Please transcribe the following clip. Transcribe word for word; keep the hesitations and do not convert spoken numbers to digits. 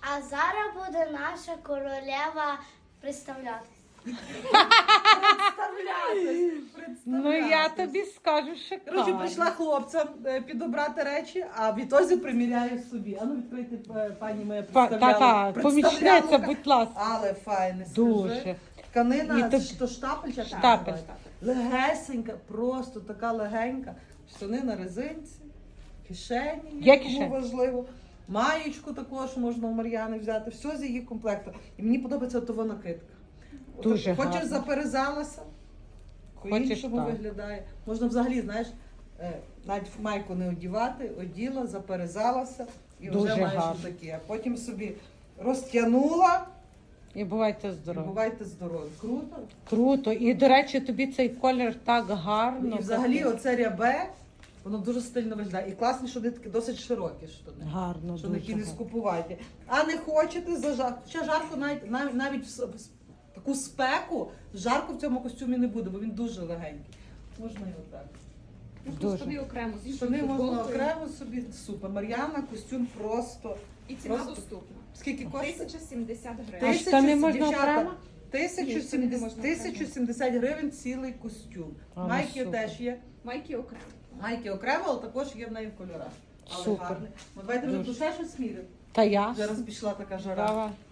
А зараз буде наша королева представлятися. Ну я тобі скажу, Коротше, шикарно. прийшла хлопцям е, підобрати речі, а відтоді приміряю собі. А ну відкрийте, е, пані моя Па- представляла. Та-та, помічниця, представляла. будь ласка. Але файне, скажи. Дуже. Тканина, І це то- ж то штапель чи Штапель. Легесенька, просто така легенька. Штани на резинці, кишені, Є кому кишені? важливо. Маєчку також можна у Мар'яни взяти. Все з її комплекту. І мені подобається того накидка. От Дуже Хочеш гарно. заперезалася, Хочеш по-іншому так. виглядає. Можна взагалі, знаєш, е, навіть в майку не одівати, оділа, заперезалася і Дуже вже маєш гарно. таке. А потім собі розтягнула І бувайте і здорові. бувайте здорові. Круто. Круто. І, до речі, тобі цей колір так гарно. І взагалі оце рябе, воно дуже стильно виглядає. І класні, що вони такі досить широкі штани. Гарно, Що дуже такі не гарно. скупувати. А не хочете за жарко. Ще жарко навіть, навіть, навіть в с- в с- таку спеку, жарко в цьому костюмі не буде, бо він дуже легенький. Можна і отак. Дуже. Штани окремо, з іншою Штани можна футболкою. окремо собі. Супер. Мар'яна, костюм просто. І ціна Просто- доступна. Скільки коштує? тисяча сімдесят А гривень. Тисячу- штани можна дівчата, окремо? тисячу Ні, штани не сімдесят можна тисячу сімдесят гривень цілий костюм. А, ну Майки супер. теж є. Майки окремо. Майки окремо, але також є в неї в кольорах. Але Супер. гарний. Ну, давайте вже Дуже. душе щось міряти. Та я. Зараз пішла така жара. Давай.